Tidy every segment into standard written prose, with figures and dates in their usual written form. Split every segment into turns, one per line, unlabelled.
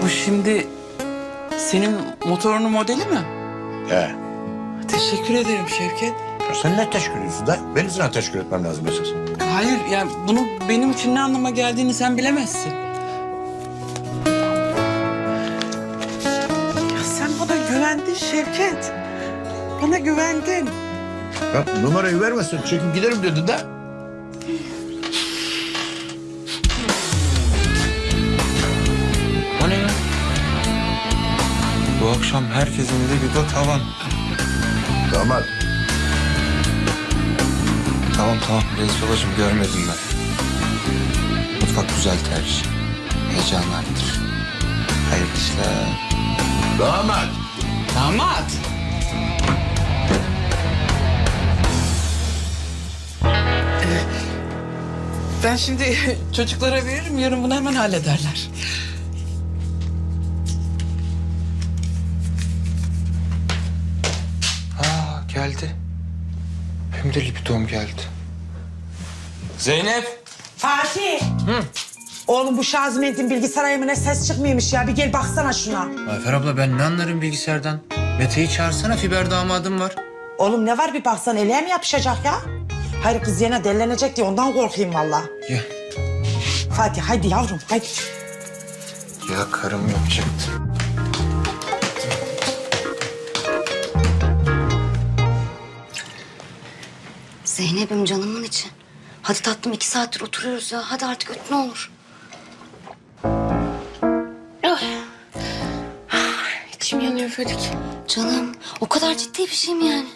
Bu şimdi senin motorunun modeli mi?
He.
Teşekkür ederim Şevket.
Ya sen ne teşekkür ediyorsun da? Benim sana teşekkür etmem lazım esas.
Hayır yani bunu benim için ne anlama geldiğini sen bilemezsin. Ya sen bana güvendin Şevket. Bana güvendin.
Ya numarayı vermezsen çekip giderim dedin de.
O ne ya? Bu akşam herkesin libido tavan.
Damat.
Tamam reis babacığım görmedim ben. Mutfak güzel tercih. Heyecanlı arttır. Hayırlı işler.
Damat.
Damat. Ben şimdi çocuklara veririm, yarın bunu hemen hallederler.
Geldi. Hem de libidom geldi. Zeynep.
Fatih. Oğlum bu Şazimet'in bilgisayar ayımına ses çıkmıyormuş ya. Bir gel baksana şuna.
Ayfer abla ben ne anlarım bilgisayardan? Mete'yi çağırsana, fiber damadım var.
Oğlum ne var bir baksan eleğe mi yapışacak ya? Hayır kız yine delilenecek diye ondan korkayım vallahi.
Ya.
Fatih haydi yavrum haydi.
Ya karım yapacaktı.
Zeynep'im canımın içi. Hadi tatlım 2 saattir oturuyoruz ya. Hadi artık öt ne olur.
İçim yanıyor Fadik.
Canım o kadar ciddi bir şey mi yani?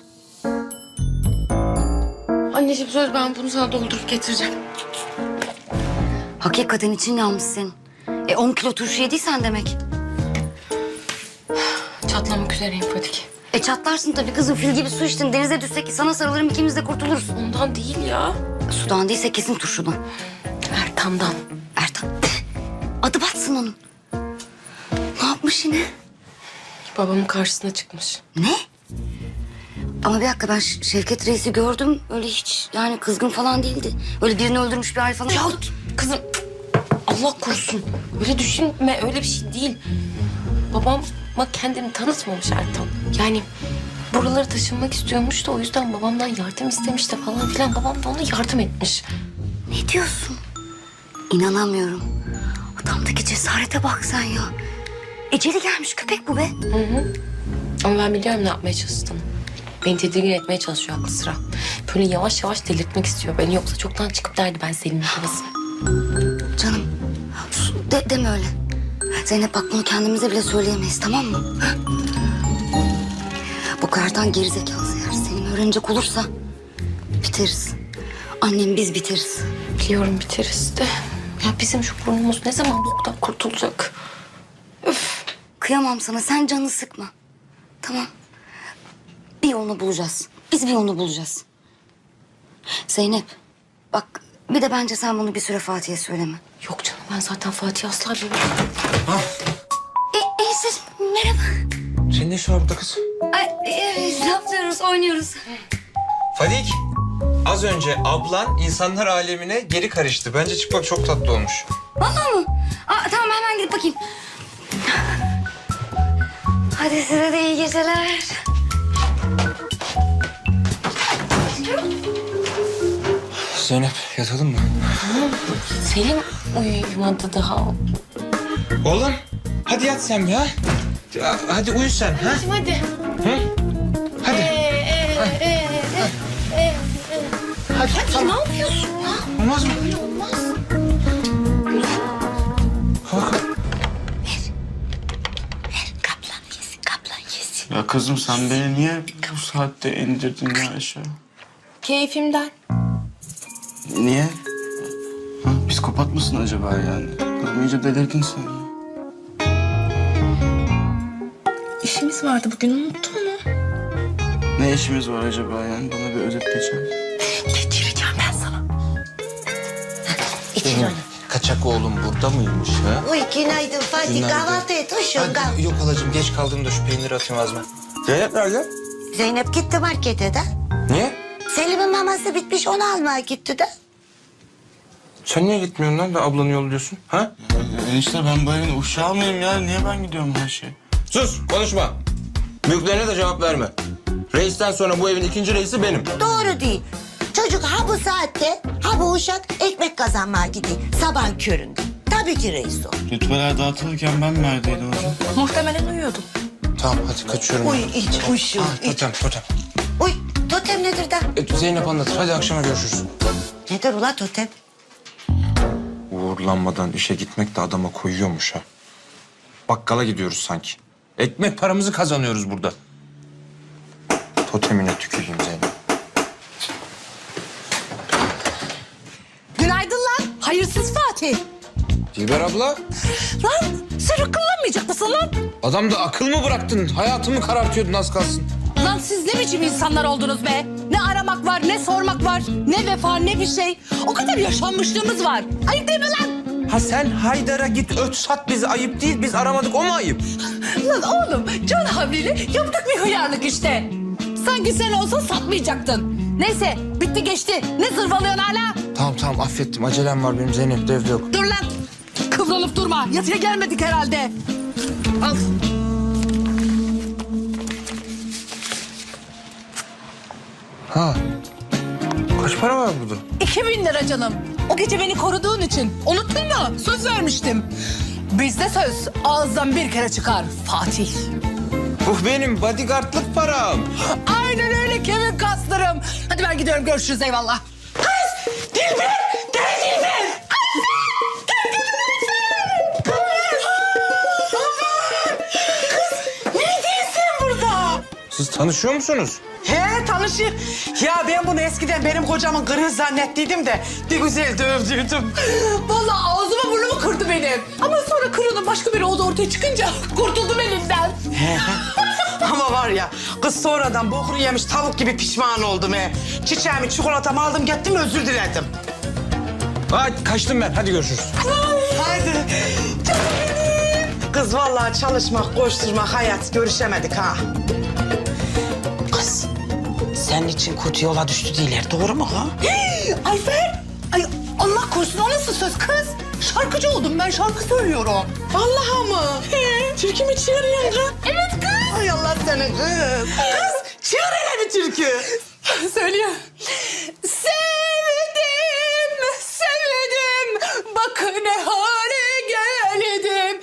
Anneciğim söz ben bunu sana doldurup getireceğim.
Hakikaten için yanmış senin. 10 kilo turşu yediysen demek.
Çatlamak üzereyim Fadik.
Çatlarsın tabii kızım, fil gibi su içtin. Denize düşsek sana sarılırım, ikimiz de kurtuluruz.
Ondan değil ya.
Sudan değilse kesin turşudan.
Ertan'dan.
Ertan adı batsın onun. Ne yapmış yine?
Babamın karşısına çıkmış.
Ne? Ama bir dakika ben Şevket Reis'i gördüm. Öyle hiç yani kızgın falan değildi. Öyle birini öldürmüş bir hal falan.
Ya kızım Allah korusun. Öyle düşünme, öyle bir şey değil. Babama kendini tanıtmamış Ertan. Yani buralara taşınmak istiyormuş da o yüzden babamdan yardım istemiş de falan filan. Babam da ona yardım etmiş.
Ne diyorsun? İnanamıyorum. Adamdaki cesarete bak sen ya. Eceli gelmiş köpek bu be.
Ama ben biliyorum ne yapmaya çalıştığını. Beni tedirgin etmeye çalışıyor aklı sıra. Böyle yavaş yavaş delirtmek istiyor beni. Yoksa çoktan çıkıp derdi ben senin babasın.
Canım deme öyle. Zeynep bak bunu kendimize bile söyleyemeyiz, tamam mı? Ha? Bu kardan gerizekalısı eğer Selim öğrenecek olursa biteriz. Annem biz biteriz.
Biliyorum biteriz de. Ya bizim şu burnumuz ne zaman boktan kurtulacak?
Kıyamam sana, sen canını sıkma. Tamam. Bir yolunu bulacağız. Biz bir yolunu bulacağız. Zeynep bak bir de bence sen bunu bir süre Fatih'e söyleme.
Yok canım ben zaten Fatih asla bilmiyorum.
Siz merhaba.
Senin ne işin var burada kız?
Ne yapıyoruz, oynuyoruz.
Fadik. Az önce ablan insanlar alemine geri karıştı. Bence çık bak, çok tatlı olmuş.
Vallahi mı? Tamam hemen gidip bakayım. Hadi size de iyi geceler.
Zeynep yatalım mı?
Selim uyumadı daha.
Oğlum hadi yat sen ya. Hadi uyu sen ha.
Hadi.
Hı? Hadi. Hadi tamam.
Ne yapıyorsun ya?
Olmaz mı?
Olmaz.
Kalk.
Kaplan yesin, kaplan yesin.
Ya kızım sen beni niye bu saatte indirdin ya aşağı?
Keyfimden.
Niye? Ha, psikopat mısın acaba yani? Kızım iyice delirdin sen ya.
İşimiz vardı bugün unuttun mu?
Ne işimiz var acaba yani? Bana bir özet geçer.
Geçireceğim ben sana.
Benim kaçak oğlum burada mıymış ha?
Uy günaydın Fatih,
Günaydın.
kahvaltı et hoşum kal.
Yok halacığım, geç kaldım da şu peyniri atayım ağzıma. Zeynep nerede?
Zeynep gitti markete de.
Niye?
Selim'in maması bitmiş, onu almaya gitti de.
Sen niye gitmiyorsun lan da ablanı yolluyorsun ha?
Enişte ben bu evin uşağı mıyım ya? Niye ben gidiyorum her şey?
Sus, konuşma. Büyüklerine de cevap verme. Reisten sonra bu evin ikinci reisi benim.
Doğru değil. Çocuk ha bu saatte ha bu uşak ekmek kazanmaya gidiyor. Sabah köründe. Tabii ki reis o.
Rütbeler dağıtılırken ben neredeydim hocam?
Muhtemelen uyuyordum.
Tamam hadi kaçıyorum.
Uy iç uyuşuyor.
Totem.
Uy totem nedir da?
Zeynep anlatır. Hadi akşama görüşürüz.
Nedir ula totem?
Uğurlanmadan işe gitmek de adama koyuyormuş ha. Bakkala gidiyoruz sanki. Ekmek paramızı kazanıyoruz burada. Totemine tüküreyim Zeynep.
Günaydın lan. Hayırsız Fatih.
Dilber abla,
Lan sen akıllanmayacak mısın lan?
adamda akıl mı bıraktın? Hayatımı karartıyordun az kalsın.
Lan siz ne biçim insanlar oldunuz be? Ne aramak var, ne sormak var, ne vefa, ne bir şey. O kadar yaşanmışlığımız var. Ayıp değil mi lan?
Ha sen Haydar'a git öt sat bizi, ayıp değil. Biz aramadık, o mu ayıp?
Lan oğlum, can havliyle yaptık bir hıyarlık işte. Sanki sen olsa satmayacaktın. Neyse, bitti geçti. Ne zırvalıyorsun hala?
Tamam affettim. Acelem var benim, Zeynep de evde yok.
Dur lan. Kıvrılıp durma. Yatıya gelmedik herhalde. Al.
Ha. Kaç para var burada?
2000 lira canım. O gece beni koruduğun için. Unuttun mu? Söz vermiştim. Bizde söz ağızdan bir kere çıkar Fatih.
Bu benim bodyguardlık param.
Aynen öyle kemik kaslarım. Hadi ben gidiyorum, görüşürüz, eyvallah. Kız! Dilber! Gel Dilber!
Siz tanışıyor musunuz?
He tanışır. Ya ben bunu eskiden benim kocamın kırığı zannettiydim de bir güzel dövdüydüm.
Vallahi ağzımı burnumu kırdı benim. Ama sonra kırığının başka biri olduğu ortaya çıkınca kurtuldum elinden.
Ama var ya kız sonradan bokunu yemiş tavuk gibi pişman oldum he. Çiçeğimi çikolatamı aldım gittim özür diledim.
Hadi kaçtım ben. Hadi görüşürüz.
Haydi. Canım benim. Kız vallahi çalışmak, koşturmak, hayat görüşemedik ha. Kız senin için kötü yola düştü değiller doğru mu ha?
Ayfer! Ay Allah korusun, o nasıl söz kız? Şarkıcı oldum ben, şarkı söylüyorum.
Vallahi mı? Türkü mü çığırıyorsun ha?
Evet kız.
Ay Allah seni kız. Kız çığır hele bir türkü.
Söylüyor. Sevdim, bak ne hale geldim.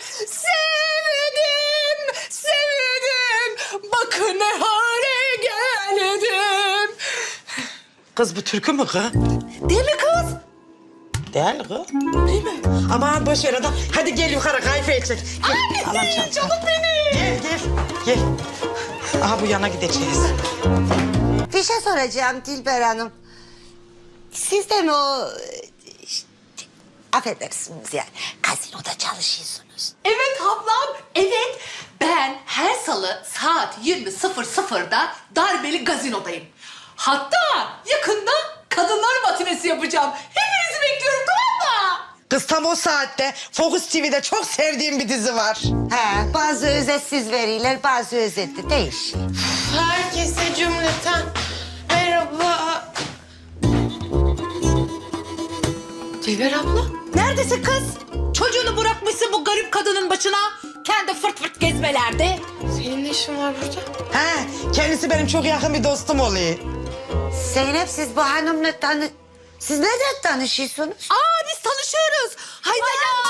Sevdim, bak ne hale geldim.
Kız bu türkü mü kız?
Değil mi kız?
Değil kız. Değil mi? Aman boş ver adam. Hadi gel yukarı kayfe edecek.
Ay canım benim.
Gel. Aha bu yana gideceğiz.
Bir şey soracağım Dilber Hanım. Siz de mi o... affedersiniz yani gazinoda çalışıyorsunuz?
Evet ablam, evet. Ben her salı saat 20.00'da darbeli gazinodayım. Hatta yakında kadınlar matinesi yapacağım. Hepinizi bekliyorum, tamam mı?
Kız tam o saatte Focus TV'de çok sevdiğim bir dizi var.
He, bazı özetsiz veriler, bazı özetli değişiyor.
Herkese cümleten merhaba. Dilber abla.
Neredesin kız? Çocuğunu bırakmışsın bu garip kadının başına. Kendi fırt fırt gezmelerde.
Senin ne işin var burada?
He, kendisi benim çok yakın bir dostum oluyor.
Zeynep siz bu hanımla Siz neden tanışıyorsunuz?
Biz tanışıyoruz. Hayda.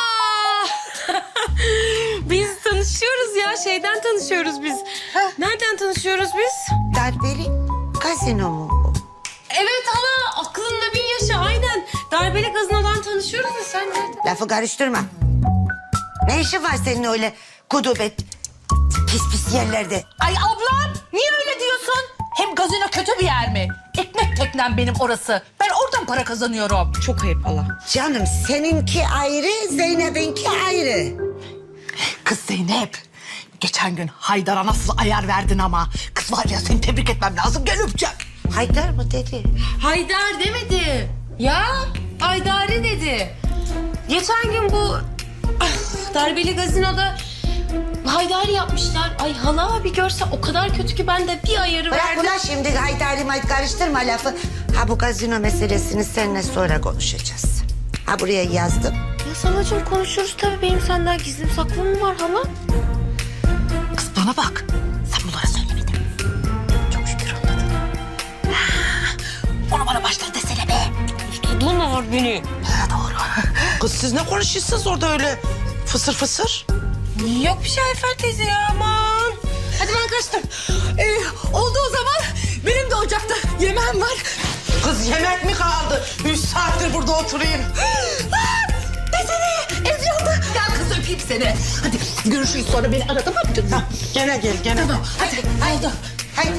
Biz tanışıyoruz ya. Şeyden tanışıyoruz biz. Nereden tanışıyoruz biz?
Darbeli gazino mu bu?
Evet hala aklında bin yaşı aynen. Darbeli gazinodan tanışıyoruz da sen nereden?
Lafı karıştırma. Ne işin var senin öyle kudubet pis pis yerlerde?
Ay ablam, niye öyle diyorsun? Hem gazino kötü bir yer mi? Ekmek teknem benim orası. Ben oradan para kazanıyorum. Çok ayıp Allah.
Canım seninki ayrı, Zeynep'inki ayrı.
Kız Zeynep, geçen gün Haydar'a nasıl ayar verdin ama. Kız var ya, seni tebrik etmem lazım, gel öpeceğim.
Haydar mı dedi?
Haydar demedi. Ya Haydari dedi. Geçen gün bu darbeli gazinoda Haydari yapmışlar. Ay hala bir görse o kadar kötü ki ben de bir ayarı
Bırak
verdim.
ulan şimdi Haydar'ı karıştırma lafı. Ha bu gazino meselesini seninle sonra konuşacağız. Ha buraya yazdım.
Salacığım konuşuruz tabii. Benim senden gizlim saklım mı var hala?
Kız bana bak. Sen bunlara söylemedin. Çok şükür anladın. Onu bana baştan desene be.
Tutadın mı var beni?
Ha, doğru. Kız siz ne konuşuyorsunuz orada öyle fısır fısır?
Yok bir şey Ayfer teyze ya aman.
Hadi ben kaçtım. Oldu o zaman. Benim de ocakta yemeğim var.
Kız yemek mi kaldı? 3 saattir burada oturayım.
Desene ev yandı. Gel kız öpeyim seni. Hadi görüşürüz sonra beni ara tamam mı canım?
Gene gel gene.
Tamam hadi. Haydi.
Haydi.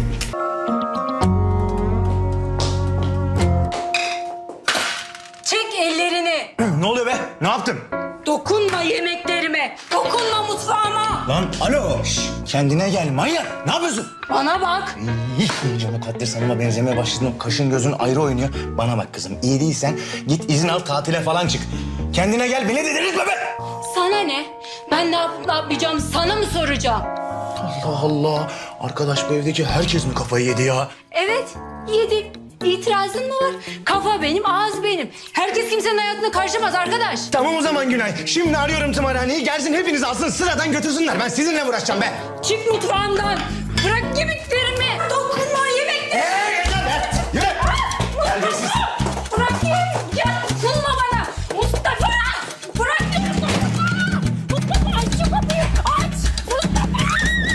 Çek ellerini.
Ne oluyor be? Ne yaptın?
Dokunma yemeklerime. Dokunma mutfağıma.
Lan alo. Şş, kendine gel manyak. Ne yapıyorsun?
Bana bak.
İyice Mukaddes Hanım'a benzemeye başladın. Kaşın gözün ayrı oynuyor. Bana bak kızım, iyi değilsen git izin al, tatile falan çık. Kendine gel, beni delirtme be!
Sana ne? Ben ne yapıp ne yapmayacağım sana mı soracağım?
Allah Allah. Arkadaş bu evdeki herkes mi kafayı yedi ya?
Evet yedik. İtirazın mı var? Kafa benim, ağız benim. Herkes kimsenin hayatına karışamaz arkadaş.
Tamam o zaman Günay. Şimdi arıyorum tımarhaneyi. Gelsin hepinizi alsın sıradan götürsünler. Ben sizinle uğraşacağım be.
Çık mutfağımdan. Bırak yemeklerimi. Dokunma yemeklerimi.
Yeter be! Yürü! Terbiyesiz.
Bırak yemek. Ya dokunma bana. Mustafa. Bırak yemek. Mustafa aç şu kapıyı. Aç. Mustafa.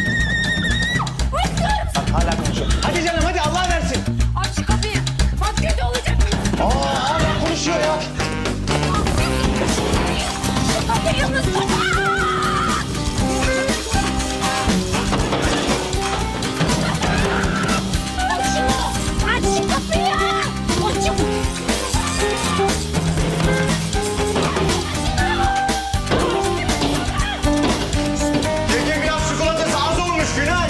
Mustafa.
Hala konuşuyor. Hadi canım hadi, Allah versin.
Aç şu kapıyı. Bak kötü olacak.
Hala konuşuyor ya.
Şu kapıyı Mustafa. Aç şunu. Aç şu kapıyı. Aç şu
Gece biraz çikolatası az olmuş Günay.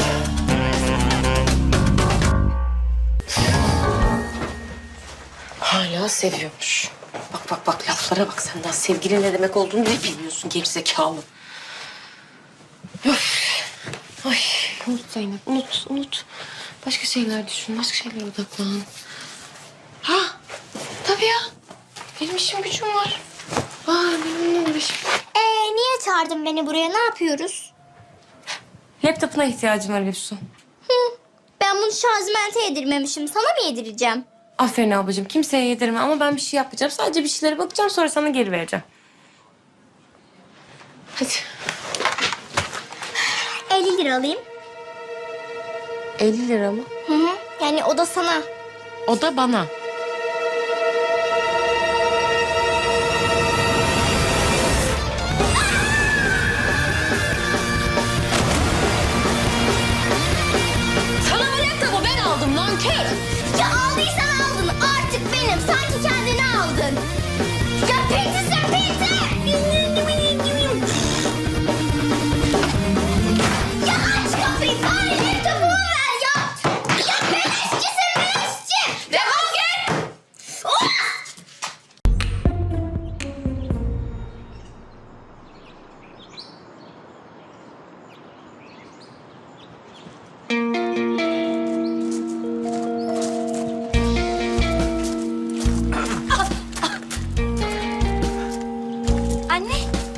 Hala seviyormuş. Bak bak bak laflara bak sen daha sevgili ne demek olduğunu bile bilmiyorsun gerizekalı. Öf. Ay unut Zeynep unut. Başka şeyler düşün, başka şeylere odaklan. Ha tabii ya. Benim işim gücüm var. Benim ne uğraşım.
Niye çağırdın beni buraya? Ne yapıyoruz?
Laptopuna ihtiyacım var Efsun.
Ben bunu şarjmente yedirmemişim. Sana mı yedireceğim?
Aferin ablacığım kimseye yedirme ama ben bir şey yapmayacağım. Sadece bir şeylere bakacağım sonra sana geri vereceğim. Hadi.
50 lira alayım.
50 lira mı?
Hı hı. Yani o da sana.
O da bana. Sana bu laptopu ben aldım nankör.
Ya aldıysan aldın. Artık benim. Sanki kendini aldın. Ya pinti sen pinti. Ya aç kapıyı. Bari laptopumu ver ya. Ya beleşçisin beleşçi. Defol git. Of! Anne.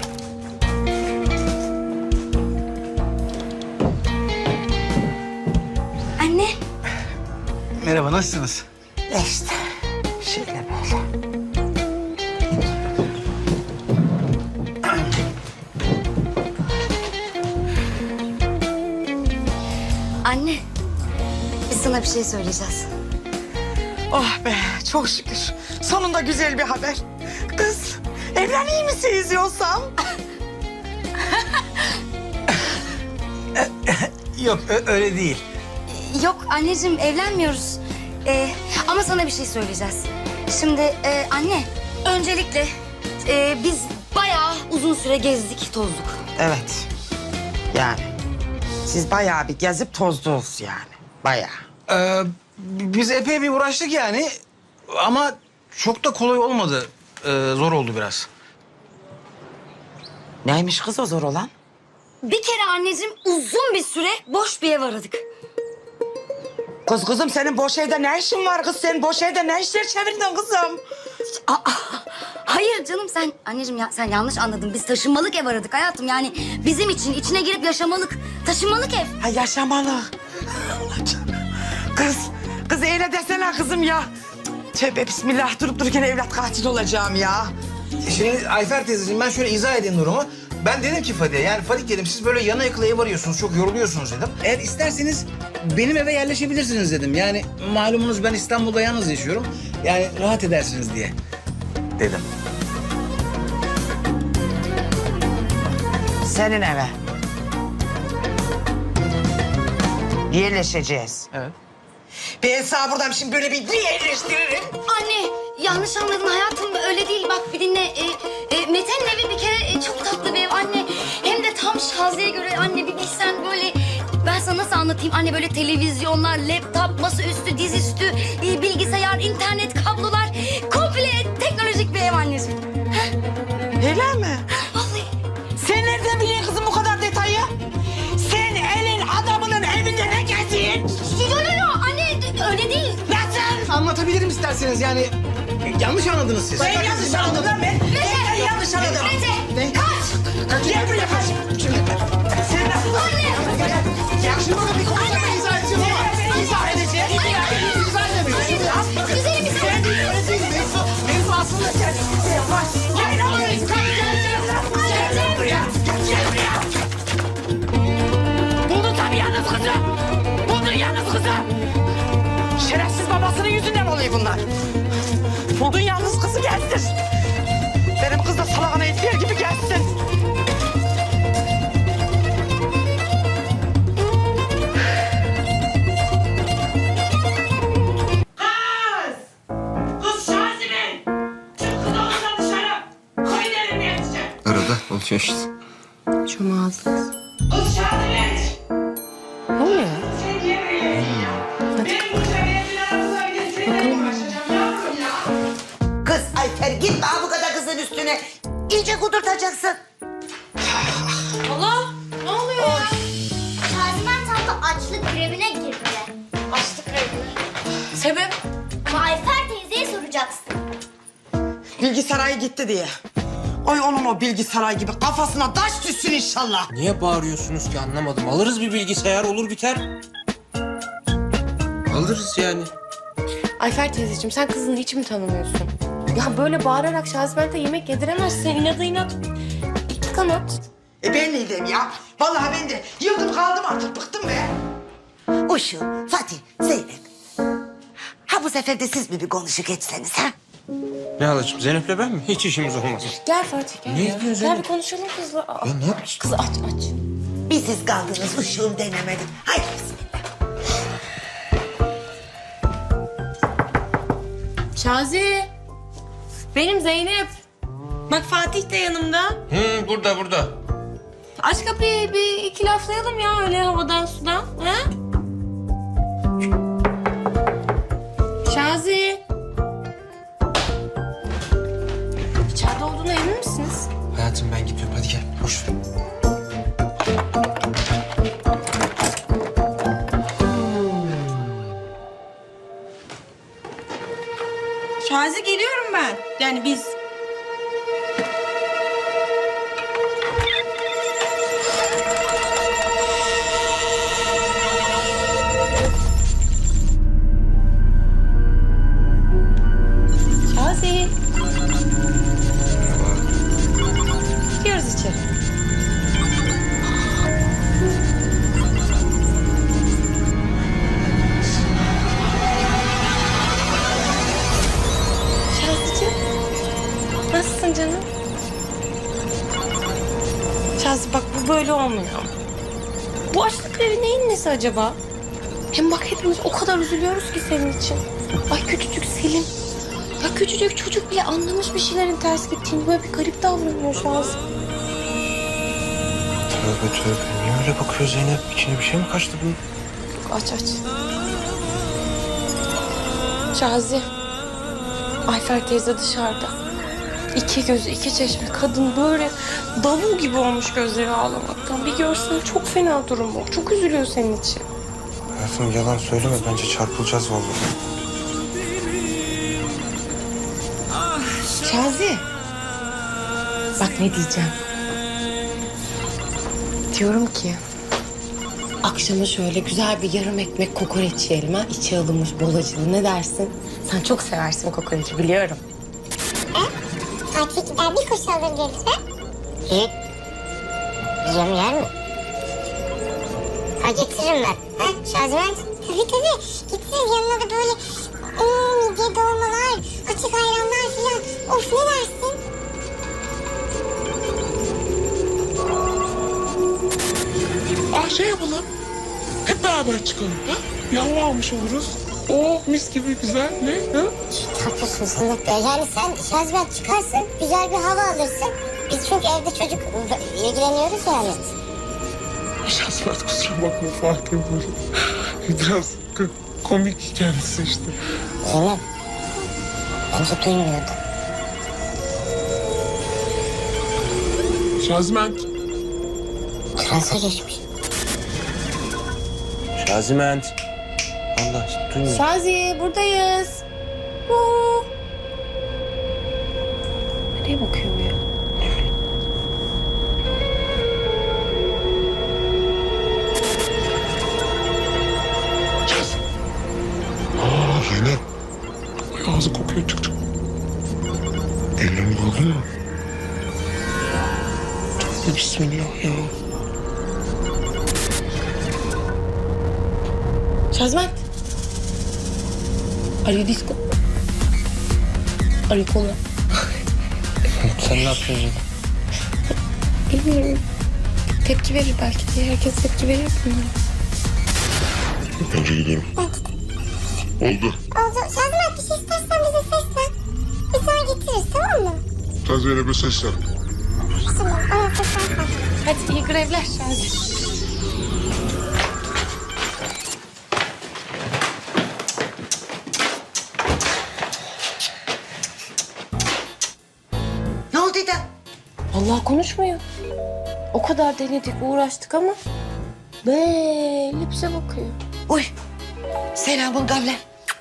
Anne.
Merhaba, nasılsınız?
İşte şöyle böyle.
Anne, biz sana bir şey söyleyeceğiz.
Oh be çok şükür. Sonunda güzel bir haber. Kız evleneyim misiniz yoksa?
Yok, öyle değil.
Yok anneciğim, evlenmiyoruz. Ama sana bir şey söyleyeceğiz. Şimdi anne, öncelikle biz bayağı uzun süre gezdik, tozduk.
Evet. Yani siz bayağı bir gezip tozdunuz yani. Bayağı.
Biz epey bir uğraştık yani. Ama çok da kolay olmadı. Zor oldu biraz.
Neymiş kız o zor olan?
Bir kere anneciğim uzun bir süre boş bir ev aradık.
Kızım senin boş evde ne işin var kız? Sen boş evde ne işler çevirdin kızım?
Hayır canım sen anneciğim ya sen yanlış anladın. Biz taşınmalık ev aradık hayatım. Yani bizim için içine girip yaşamalık, taşınmalık ev.
Ha yaşamalık. Allah canım. Kız öyle desene kızım ya. Tövbe bismillah durup dururken evlat katil olacağım ya.
Şimdi Ayfer teyzeciğim ben şöyle izah edeyim durumu. Ben dedim ki Fadik'e yani Fadik dedim siz böyle yana yakıla ev arıyorsunuz çok yoruluyorsunuz dedim. Eğer isterseniz benim eve yerleşebilirsiniz dedim. Yani malumunuz ben İstanbul'da yalnız yaşıyorum. Yani rahat edersiniz diye dedim.
Senin eve. Yerleşeceğiz.
Evet.
Ben sana buradan şimdi böyle bir yerleştiririm.
Anne yanlış anladın hayatım öyle değil. Bak bir dinle. Mete'nin evi bir kere çok tatlı bir ev anne. Hem de tam Şazi'ye göre anne bir bilsen böyle... Ben sana nasıl anlatayım anne böyle televizyonlar, laptop, masaüstü, dizüstü, bilgisayar, internet, kablolar. Komple teknolojik bir ev anneciğim.
Öyle mi?
Vallahi.
Sen nereden biliyorsun kızım bu kadar detayı? Sen elin adamının evinde ne geziyorsun?
Yo anne öyle değil.
Nasıl?
Anlatabilirim isterseniz yani yanlış anladınız siz.
Ben yanlış anladım lan ben. Ben yanlış anladım.
Mete kaç.
Gel buraya kaç. Sen nasıl?
Anne.
Ya şimdi bakın bir konuda ben izah edeceğim ama. Ben izah edeceğim. İzah edemiyorum. Bakın
Güzelim bir
sen değil öyle değil. Mevzu aslında sen. Bak. Gel oğlum. Gel buraya. Gel buraya. Buldun tabii yalnız kızı. Buldun yalnız kızı. Şerefsiz babasının yüzünden oluyor bunlar. Buldun yalnız kızı gelsin. Benim kız da salağına ettiği gibi gelsin. Kız Şazimen! Çık kız odadan dışarı! Koy elini yetişecek!
Arada oluyor işte.
Çok ağzınız.
Kız Şazimen!
Ne oluyor?
Sen yemeği ya! Benim bu şebeğe bir aramıza gidin seninle uğraşacağım yavrum ya!
Kız Ayfer gitme ha bu kadar kızın üstüne. İyice kudurtacaksın.
Allah! Ne oluyor ya?
Şazimen tam da açlık grevine girdi.
Açlık revini. Sebep?
Ama Ayfer teyzeye soracaksın.
Bilgisayarı gitti diye. Oy onun o bilgisayar gibi kafasına taş düşsün inşallah.
Niye bağırıyorsunuz ki anlamadım. Alırız bir bilgisayar olur biter. Alırız yani.
Ayfer teyzeciğim sen kızını hiç mi tanımıyorsun? Ya böyle bağırarak Şaziment'e yemek yediremezsin. İnadı inat. İki kanat.
Ben neydiyim ya? Vallahi ben de yıldım kaldım artık bıktım be.
Uşu, Fatih, Zeynep. Ha bu sefer de siz mi bir konuşuk etseniz ha?
Ne halacığım Zeynep'le ben mi? Hiç işimiz olmaz.
Gel Fatih gel
Ne
ya.
diyorsun
Gel
Zeynep?
bir konuşalım kızla. Aa,
Ya ne yapıyorsun?
kız aç.
Bir siz kaldınız uşuğum denemedim. Haydi bismillah.
Şazi. Benim Zeynep. Bak Fatih de yanımda.
Burada.
Aç kapıyı bir iki laflayalım ya öyle havadan sudan. Ha? Şazi. İçeride olduğuna emin misiniz?
Hayatım ben gidiyorum. Hadi gel. Boş ver.
Şazi geliyorum ben. Yani biz.
Şazi. Gidiyoruz içeri. Şazi'cim. Nasılsın canım? Şazi bak bu böyle olmuyor. Bu açlık grevi neyin nesi acaba? Hem bak hepimiz o kadar üzülüyoruz ki senin için. Ay küçücük Selim. Ya küçücük çocuk bile anlamış bir şeylerin ters gittiğini. Böyle bir garip davranıyor Şazi.
Tövbe. Niye öyle bakıyor Zeynep? İçine bir şey mi kaçtı bunun?
Aç. Şazi. Ayfer teyze dışarıda. İki gözü, iki çeşme. Kadın böyle davul gibi olmuş gözleri ağlamaktan. Bir görsen çok fena durumu. Çok üzülüyor senin için.
Hayatım yalan söyleme. Bence çarpılacağız vallahi.
Şazi
Bak ne diyeceğim. Diyorum ki akşama şöyle güzel bir yarım ekmek kokoreç yiyelim ha. İçi alınmış bol acılı, ne dersin? Sen çok seversin kokoreçi biliyorum.
Fatih gider bir kuş alır gelir ha? İyi. Yiyeceğim yer mi? Ha getiririm ben. Ha Şaziment? Tabii. Getirir yanına da böyle midye dolmalar, açık ayranlar filan. Of ne dersin?
Şey yapalım. Hep beraber çıkalım. Ha? Yavru almış oluruz. Oh mis gibi güzel. Ne? Ha?
Haklısın Samet Bey. Yani sen Şaziment çıkarsın, güzel bir hava alırsın. Biz çünkü evde çocuk ilgileniyoruz yani.
Şahsiyet kusura bakma Fatih böyle. Biraz komik kendisi işte.
Zeynep. Bence duymuyordu.
Şaziment.
Transa geçmiş.
Şaziment. Allah duymuyor.
Şazi buradayız. Nereye bakıyor bu ya?
Zeynep. Ay, ağzı kokuyor çık. Ellerini gördün mü? Bismillah ya.
Şazment. Are you disco? Are you cola?
Sen ne yapıyorsun?
Bilmiyorum. Tepki verir belki diye. Herkes tepki verir.
Önce gidelim. Oldu.
Şaziment bir şey istersen bize seslen. Biz sana getiririz tamam mı?
Sen Zeynep'e seslen.
Tamam ama seslen.
Hadi iyi grevler Şazi.
Ne oldu da?
Allah konuşmuyor. O kadar denedik, uğraştık ama böyle bize bakıyor.
Uy. Selamun kavle.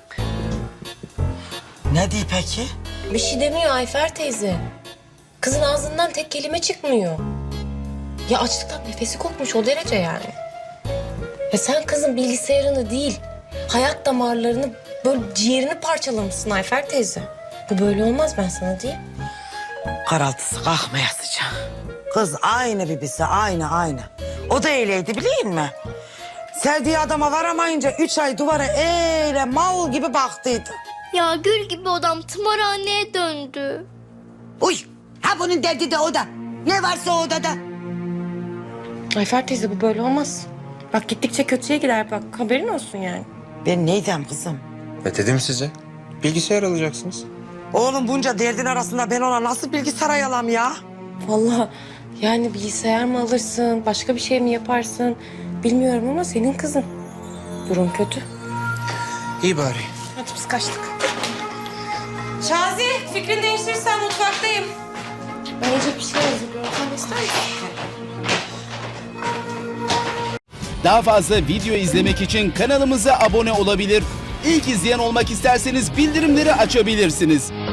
Ne diyor peki?
Bir şey demiyor Ayfer teyze. Kızın ağzından tek kelime çıkmıyor. Ya açlıktan nefesi kopmuş o derece yani. Ya sen kızın bilgisayarını değil, hayat damarlarını böyle ciğerini parçalamışsın Ayfer teyze. Bu böyle olmaz ben sana diyeyim.
Karaltısı kalkmayasıca. Kız aynı bibisi aynı. O da öyleydi biliyor musun? Sevdiği adama varamayınca 3 ay duvara öyle mal gibi baktıydı.
Ya gül gibi odam tımarhaneye döndü.
Uy. Ha bunun derdi de o da. Ne varsa o odada.
Ayfer teyze bu böyle olmaz. Bak gittikçe kötüye gider bak haberin olsun yani.
Ben neydim kızım?
Dedim size. Bilgisayar alacaksınız.
Oğlum bunca derdin arasında ben ona nasıl bilgisayar alam ya?
Vallahi yani bilgisayar mı alırsın, başka bir şey mi yaparsın bilmiyorum ama senin kızın. Durum kötü.
İyi bari.
Hadi biz kaçtık.
Şazi fikrini değiştirirsen mutfaktayım.
Ben yiyecek bir şey hazırlıyorum. Sen de ister misin?
Daha fazla video izlemek için kanalımıza abone olabilir. İlk izleyen olmak isterseniz bildirimleri açabilirsiniz.